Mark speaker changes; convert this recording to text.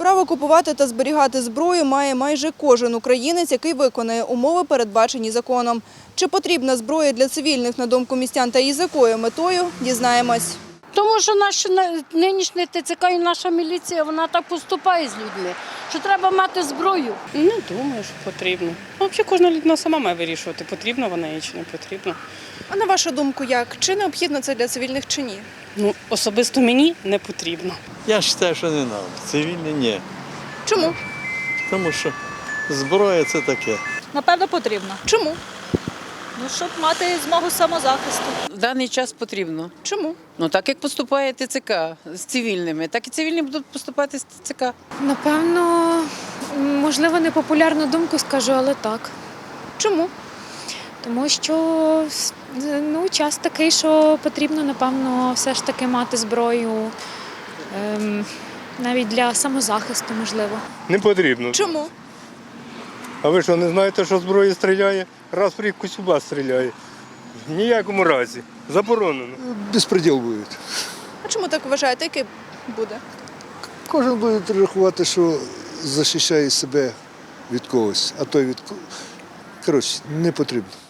Speaker 1: Право купувати та зберігати зброю має майже кожен українець, який виконує умови, передбачені законом. Чи потрібна зброя для цивільних, на думку містян, та і з якою метою – дізнаємось.
Speaker 2: Тому що наш нинішній ТЦК і наша міліція, вона так поступає з людьми, що треба мати зброю.
Speaker 3: Не думаю, що потрібно. Взагалі кожна людина сама має вирішувати, потрібно вона їй чи не потрібно.
Speaker 1: А на вашу думку, як? Чи необхідно це для цивільних, чи ні?
Speaker 3: Особисто мені не потрібно.
Speaker 4: Я вважаю, що не треба. Цивільні – ні.
Speaker 1: Чому?
Speaker 4: Тому що зброя – це таке.
Speaker 5: Напевно, потрібно.
Speaker 1: Чому?
Speaker 5: Щоб мати змогу самозахисту.
Speaker 6: В даний час потрібно.
Speaker 1: Чому?
Speaker 6: Так як поступає ТЦК з цивільними, так і цивільні будуть поступати з ТЦК.
Speaker 7: Напевно, можливо, непопулярну думку скажу, але так.
Speaker 1: Чому?
Speaker 7: Тому що час такий, що потрібно, напевно, все ж таки мати зброю, навіть для самозахисту, можливо.
Speaker 8: Не потрібно.
Speaker 1: Чому?
Speaker 8: А ви що, не знаєте, що зброя стріляє? Раз в рік Косюба стріляє. В ніякому разі. Заборонено.
Speaker 9: Безпреділ буде.
Speaker 1: А чому так вважаєте? Який буде?
Speaker 9: Кожен буде рахувати, що захищає себе від когось, а той від когось. Коротше, не потрібно.